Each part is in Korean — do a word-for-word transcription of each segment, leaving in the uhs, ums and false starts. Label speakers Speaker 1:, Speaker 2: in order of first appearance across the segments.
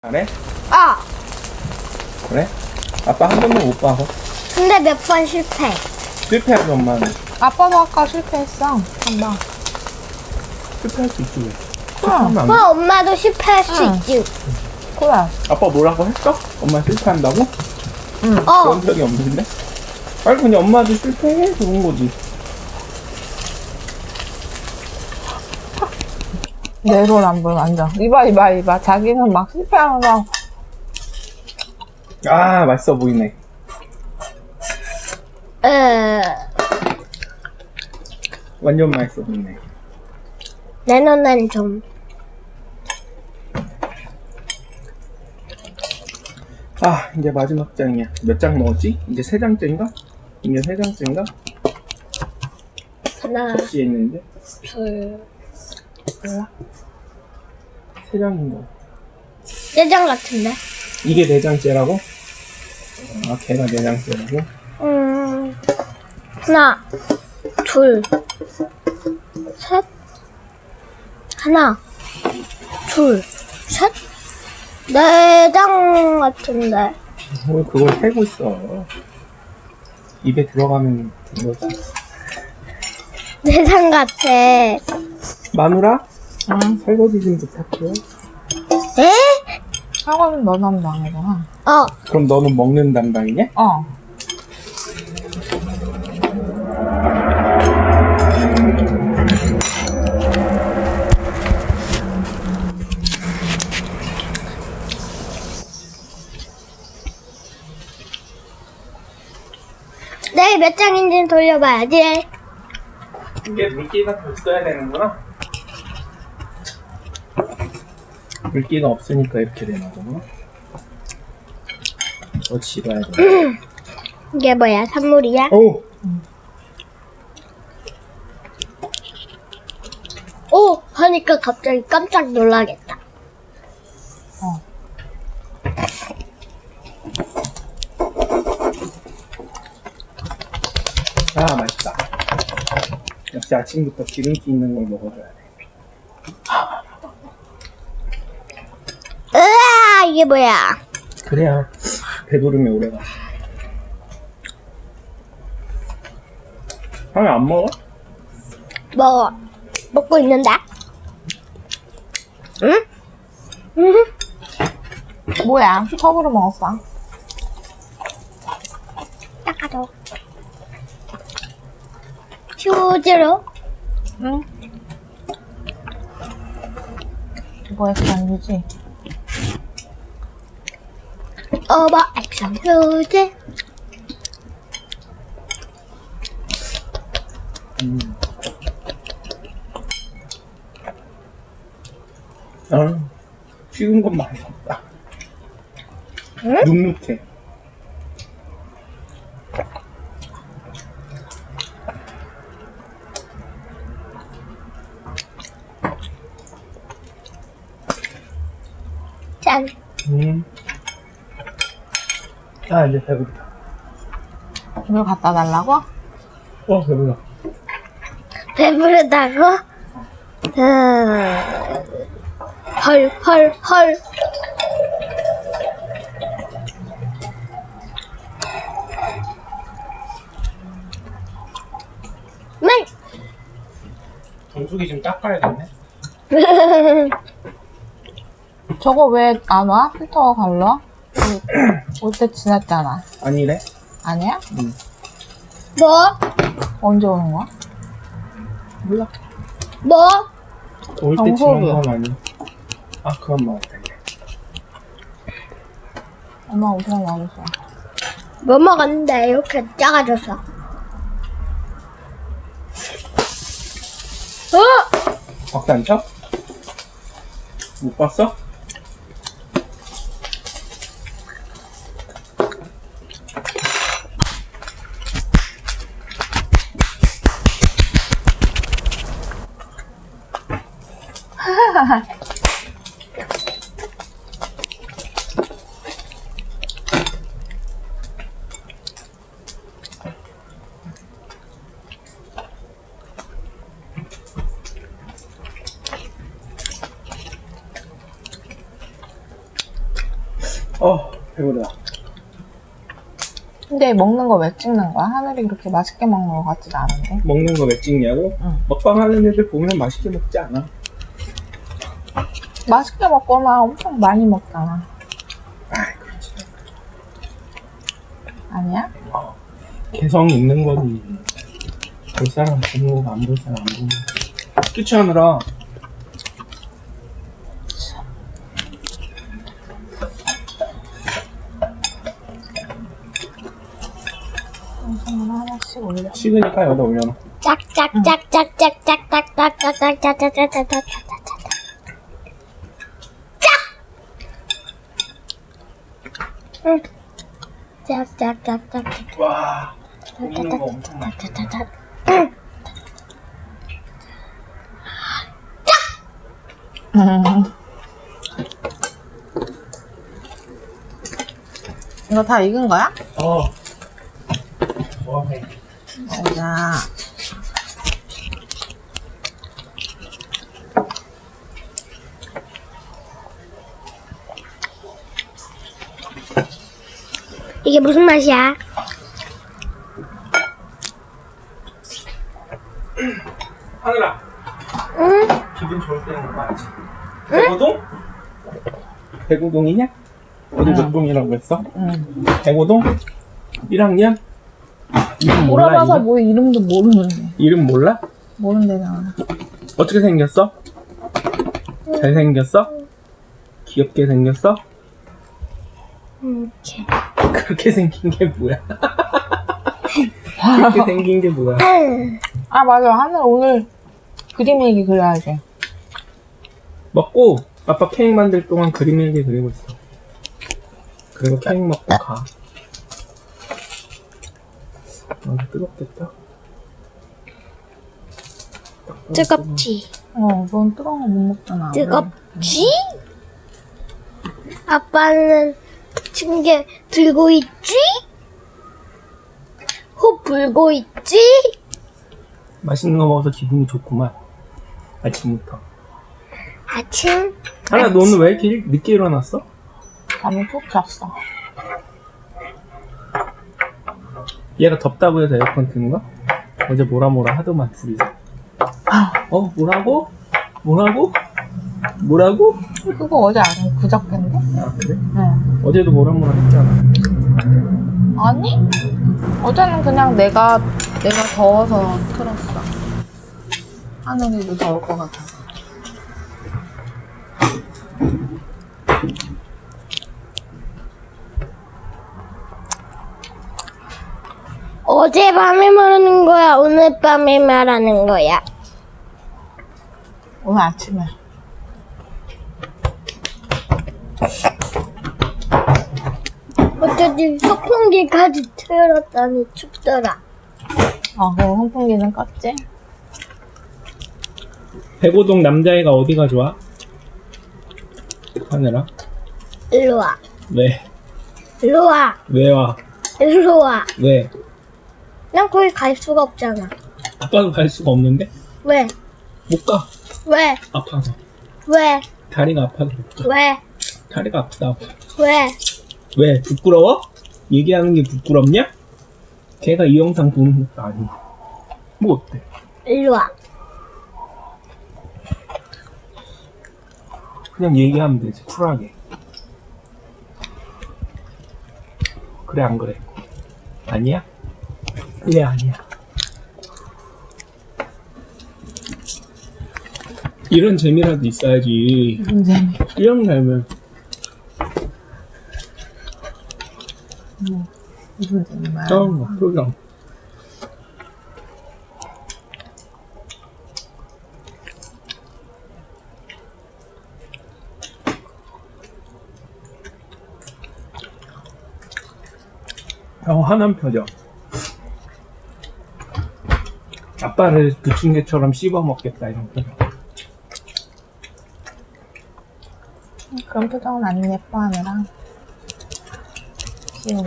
Speaker 1: 잘해?
Speaker 2: 어.
Speaker 1: 그래? 아빠 한 번도 못 봐서
Speaker 2: 근데 몇 번 실패.
Speaker 1: 실패하지 엄마는.
Speaker 3: 아빠도 아까 실패했어. 한 번.
Speaker 1: 실패할 수 있지 왜?
Speaker 3: 그래.
Speaker 1: 실패하면 안 돼.
Speaker 2: 어, 엄마도 실패할 수
Speaker 3: 응.
Speaker 2: 있지.
Speaker 3: 그래.
Speaker 1: 아빠 뭐라고 했어? 엄마 실패한다고?
Speaker 3: 응.
Speaker 2: 어.
Speaker 1: 그런 적이 없는데? 아니 그냥 엄마도 실패해 그런 거지.
Speaker 3: 내로남불 완전. 이봐 이봐 이봐. 자기는 막 실패하면서
Speaker 1: 아 맛있어 보이네.
Speaker 2: 에,
Speaker 1: 완전 맛있어 보이네.
Speaker 2: 내 눈엔 좀.
Speaker 1: 아 이제 마지막 장이야. 몇 장 먹었지? 이제 세 장째인가? 이제 세 장째인가?
Speaker 2: 하나,
Speaker 1: 접시에 있는데
Speaker 2: 둘,
Speaker 3: 몰라.
Speaker 1: 세 장인가?
Speaker 2: 내장 같은데?
Speaker 1: 이게 네 장째라고? 아 걔가 네 장째라고?
Speaker 2: 음, 하나, 둘, 셋. 하나, 둘, 셋. 내장 같은데.
Speaker 1: 왜 그걸 세고 있어? 입에 들어가면 이거지.
Speaker 2: 내장 같아. 에?
Speaker 1: 마누라?
Speaker 3: 응.
Speaker 1: 설거지 좀 부탁해.
Speaker 3: 사과는 너만 망해잖아.
Speaker 2: 어.
Speaker 1: 그럼 너는 먹는 담당이냐?
Speaker 3: 어.
Speaker 2: 내일 몇 장인지는 돌려봐야지.
Speaker 1: 이게 물기가 더 있어야 되는구나. 물기가 없으니까 이렇게 되나 보구나. 더 집어야 돼.
Speaker 2: 이게 뭐야? 선물이야?
Speaker 1: 오!
Speaker 2: 오! 하니까 갑자기 깜짝 놀라겠다.
Speaker 3: 어.
Speaker 1: 아 맛있다. 역시 아침부터 기름기 있는 걸 먹어줘야 돼.
Speaker 2: 으아! 이게 뭐야?
Speaker 1: 그래야 배부름이 오래가. 하면 안 먹어?
Speaker 2: 먹어. 먹고 있는데? 응? 응?
Speaker 3: 뭐야? 컵으로 먹었어.
Speaker 2: 닦아줘. 휴지로?
Speaker 3: 응. 이거 액션 유지.
Speaker 2: 오버 액션 휴지.
Speaker 1: 음. 아, 식은 건 맛있다.
Speaker 2: 응?
Speaker 1: 눅눅해.
Speaker 2: 짠.
Speaker 1: 음. 아, 이제 배부르다.
Speaker 3: 이걸 갖다 달라고?
Speaker 1: 어, 배불러.
Speaker 2: 배부르다고? 음. 헐, 헐, 헐. 네.
Speaker 1: 정수기 좀 닦아야겠네.
Speaker 3: 저거 왜 안 와? 필터가 갈라? 올 때 지났잖아.
Speaker 1: 아니래?
Speaker 3: 아니야?
Speaker 1: 응.
Speaker 2: 뭐?
Speaker 3: 언제 오는 거야?
Speaker 1: 몰라.
Speaker 2: 뭐?
Speaker 1: 올 때
Speaker 3: 정수기.
Speaker 1: 지난 건 아니야. 아, 그만 먹었다, 이제.
Speaker 3: 엄마 엄청 맛있어.
Speaker 2: 뭐 먹었는데 이렇게 작아졌어? 어?
Speaker 1: 박수 안 쳐? 못 봤어? 어, 배부르다.
Speaker 3: 근데 먹는 거 왜 찍는 거야? 하늘이 그렇게 맛있게 먹는 거 같지도 않은데.
Speaker 1: 먹는 거 왜 찍냐고?
Speaker 3: 응.
Speaker 1: 먹방 하는 애들 보면 맛있게 먹지 않아?
Speaker 3: 맛있게 먹거나 엄청 많이 먹잖아.
Speaker 1: 아이, 그렇지.
Speaker 3: 아니야?
Speaker 1: 개성 있는 거지. 볼 사람 보고 안 볼 사람 안 보고. 그치 하느라.
Speaker 3: 영상을 하나씩 올려.
Speaker 1: 식으니까 여기다 올려놔.
Speaker 2: 짝짝짝짝짝짝짝짝짝짝짝짝짝짝짝짝짝짝짝. 응. 짝짝짝짝.
Speaker 1: 와, 보이는 거 엄청 많아.
Speaker 2: 짝짝짝.
Speaker 3: 이거 다 익은 거야?
Speaker 1: 어. 와, 해.
Speaker 3: 보자.
Speaker 2: 이게 무슨 맛이야?
Speaker 1: 하늘아,
Speaker 2: 응?
Speaker 1: 기분 좋을 때는 거 알지? 백오동? 백오동이냐? 어디 몇 동이라고 했어?
Speaker 3: 응.
Speaker 1: 백오동? 일 학년? 이름 몰라?
Speaker 3: 물어봐서
Speaker 1: 이름?
Speaker 3: 뭐 이름도 모르는데.
Speaker 1: 이름 몰라?
Speaker 3: 모른대잖아.
Speaker 1: 어떻게 생겼어? 잘생겼어? 귀엽게 생겼어?
Speaker 2: 이렇게.
Speaker 1: 그렇게 생긴 게 뭐야? 그렇게 생긴 게 뭐야?
Speaker 3: 아, 맞아. 하늘 오늘 그림 일기 그려야지.
Speaker 1: 먹고 아빠 케이크 만들 동안 그림 일기 그리고 있어. 그리고 케이크 먹고 가. 아, 뜨겁겠다.
Speaker 2: 뜨겁지?
Speaker 3: 어, 넌 뜨거운 거 못 먹잖아.
Speaker 2: 뜨겁지? 아빠는 층계 들고 있지? 호 불고 있지?
Speaker 1: 맛있는 거 먹어서 기분이 좋구만. 아침부터.
Speaker 2: 아침?
Speaker 1: 하나, 너 오늘 왜 이렇게 일- 늦게 일어났어?
Speaker 3: 잠을 푹 잤어.
Speaker 1: 얘가 덥다고 해서 에어컨 튼 거? 어제 뭐라 뭐라 하더만 둘이서. 어? 뭐라고? 뭐라고? 뭐라고?
Speaker 3: 그거 어제 아니 그저께인데?
Speaker 1: 아 그래?
Speaker 3: 응.
Speaker 1: 어제도 뭐라 뭐라 했잖아.
Speaker 3: 아니? 어제는 그냥 내가 내가 더워서 틀었어. 하늘이도 더울 것 같아서.
Speaker 2: 어젯밤에 말하는 거야? 오늘 밤에 말하는 거야?
Speaker 3: 오늘 아침에.
Speaker 2: 어쩐지 선풍기까지 틀었더니 춥더라.
Speaker 3: 아, 그래 선풍기는 껐지?
Speaker 1: 백오동 남자애가 어디가 좋아? 하늘아?
Speaker 2: 일로 와.
Speaker 1: 왜?
Speaker 2: 일로 와.
Speaker 1: 왜 와?
Speaker 2: 일로 와.
Speaker 1: 왜?
Speaker 2: 난 거기 갈 수가 없잖아.
Speaker 1: 아빠도 갈 수가 없는데?
Speaker 2: 왜?
Speaker 1: 못 가.
Speaker 2: 왜?
Speaker 1: 아파서.
Speaker 2: 왜?
Speaker 1: 다리가 아파서 못 가.
Speaker 2: 왜?
Speaker 1: 다리가 아프다.
Speaker 2: 왜?
Speaker 1: 왜? 부끄러워? 얘기하는 게 부끄럽냐? 걔가 이 영상 보는 것도 아니고. 뭐 어때?
Speaker 2: 일로 와.
Speaker 1: 그냥 얘기하면 되지, 쿨하게. 그래, 안 그래? 아니야? 그래, 아니야. 이런 재미라도 있어야지.
Speaker 3: 무슨 재미?
Speaker 1: 이런 살면.
Speaker 3: 뭐, 무슨 재미야?
Speaker 1: 어, 표정. 어, 화난 표정. 아빠를 부침개처럼 씹어 먹겠다, 이런 표정.
Speaker 3: 그런 표정은 안 예뻐 하느라. 귀여워.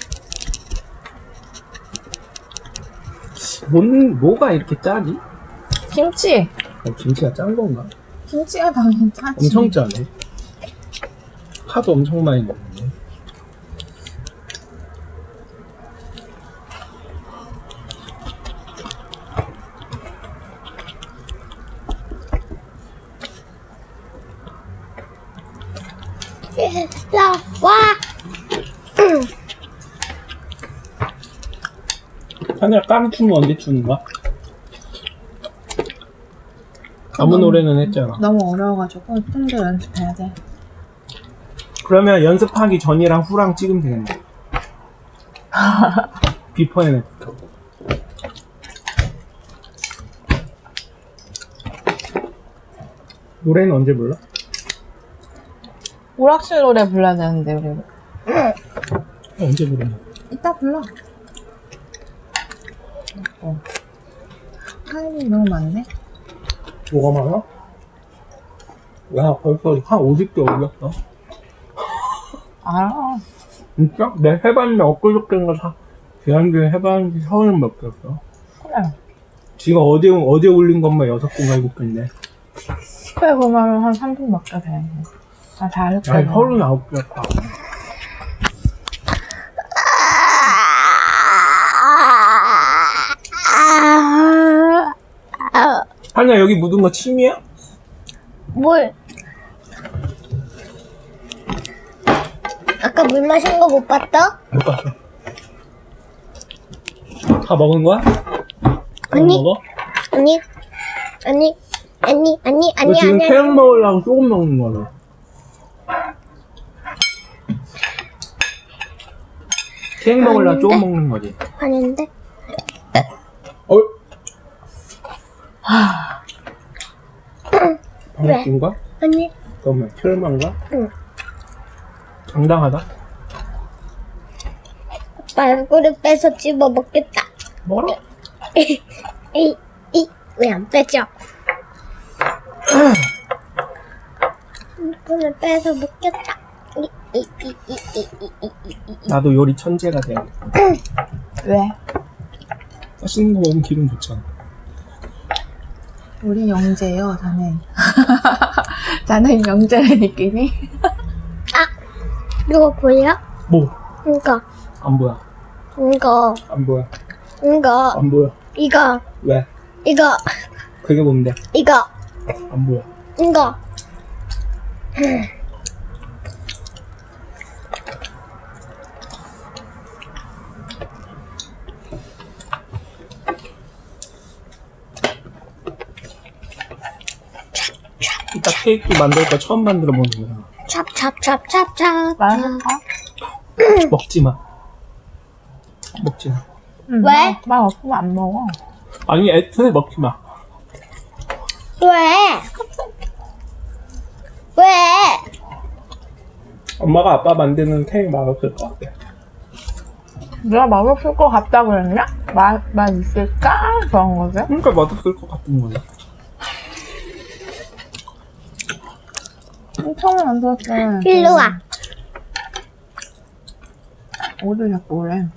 Speaker 1: 뭔, 뭐가 이렇게 짜지?
Speaker 3: 김치!
Speaker 1: 어, 김치가 짠 건가?
Speaker 3: 김치가 당연히 짜지.
Speaker 1: 엄청 짜네. 파도 엄청 많이 넣었네.
Speaker 2: 일로 와.
Speaker 1: 하늘아 깡 춤은 언제 추는 거야? 아무 노래는 했잖아.
Speaker 3: 너무 어려워가지고 좀 더 연습해야 돼.
Speaker 1: 그러면 연습하기 전이랑 후랑 찍으면 되겠네. 비포 앤 애프터. 노래는 언제 불러?
Speaker 3: 오락실 노래 불러야 되는데 우리
Speaker 1: 언제 부르냐?
Speaker 3: 이따 불러. 어. 타임이 너무 많네.
Speaker 1: 뭐가 많아? 야 벌써 한 오십 개 올렸어.
Speaker 3: 알아.
Speaker 1: 진짜? 내가 해봤는데 엊그저께인가 사 지난주에 해봤는데 서른 몇 개였어.
Speaker 3: 그래.
Speaker 1: 지금 어제 어제 올린 것만 여섯 개인가 일곱 개인데.
Speaker 3: 그래 그러면 한 삼십 몇 개 돼. 아, 다 이렇게.
Speaker 1: 아니 서른 아홉 개였다. 하냐 여기 묻은 거 침이야?
Speaker 2: 물. 아까 물 마신 거 못 봤다?
Speaker 1: 못 봤어. 다 먹은 거야? 다
Speaker 2: 아니.
Speaker 1: 먹어?
Speaker 2: 아니, 아니, 아니, 아니,
Speaker 1: 너
Speaker 2: 아니,
Speaker 1: 지금
Speaker 2: 아니.
Speaker 1: 태양 먹으려고 조금 먹는 거네. 태양 먹으려고 조금 먹는 거지.
Speaker 2: 아닌데?
Speaker 1: 어? 방귀인가?
Speaker 2: 아니,
Speaker 1: 잠깐만, 철만가?
Speaker 2: 응.
Speaker 1: 장당하다?
Speaker 2: 아빠 얼굴을 빼서 집어 먹겠다.
Speaker 1: 뭐라?
Speaker 2: 이, 이, 왜 안 빼죠? 얼굴을 빼서 먹겠다. 이, 이, 이, 이, 이, 이, 이, 이, 이.
Speaker 1: 나도 요리 천재가 돼.
Speaker 3: 왜?
Speaker 1: 맛있는 거 먹으면 기분 좋잖아.
Speaker 3: 우리 영재요, 자네. 자네 영재의 느낌이?
Speaker 2: 아, 이거 보여?
Speaker 1: 뭐?
Speaker 2: 이거,
Speaker 1: 안 보여.
Speaker 2: 이거,
Speaker 1: 안 보여.
Speaker 2: 이거,
Speaker 1: 안 보여.
Speaker 2: 이거,
Speaker 1: 왜?
Speaker 2: 이거,
Speaker 1: 그게 뭔데?
Speaker 2: 이거,
Speaker 1: 안 보여.
Speaker 2: 이거.
Speaker 1: 이따 케이크 만들 거 처음 만들어 보는 거야.
Speaker 2: 찹찹찹찹찹.
Speaker 3: 맛있어?
Speaker 1: 먹지 마. 먹지 마.
Speaker 3: 응,
Speaker 2: 왜?
Speaker 3: 맛, 맛 없으면 안 먹어.
Speaker 1: 아니, 애초에 먹지 마.
Speaker 2: 왜? 왜?
Speaker 1: 엄마가 아빠 만드는 케이크 맛없을 것 같아.
Speaker 3: 내가 맛없을 것 같다 그랬냐? 맛, 맛 있을까? 그런 거지?
Speaker 1: 그러니까 맛없을 것 같은 거야.
Speaker 3: 처음에 만들었을 때.
Speaker 2: 일로 와.
Speaker 3: 어디 자꾸 그래.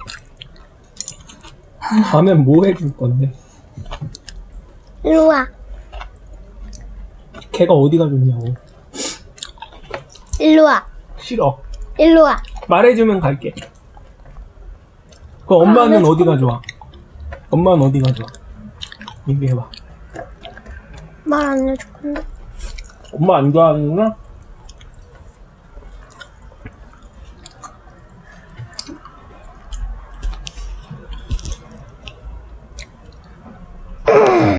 Speaker 1: 다음엔 뭐 해줄 건데?
Speaker 2: 일로 와.
Speaker 1: 걔가 어디가 좋냐고.
Speaker 2: 일로 와.
Speaker 1: 싫어.
Speaker 2: 일로 와.
Speaker 1: 말해주면 갈게. 그 엄마는 어디가 좋아? 엄마는 어디가 좋아? 얘기해봐.
Speaker 2: 말 안 해줄 건데.
Speaker 1: 엄마 안 좋아하는구나?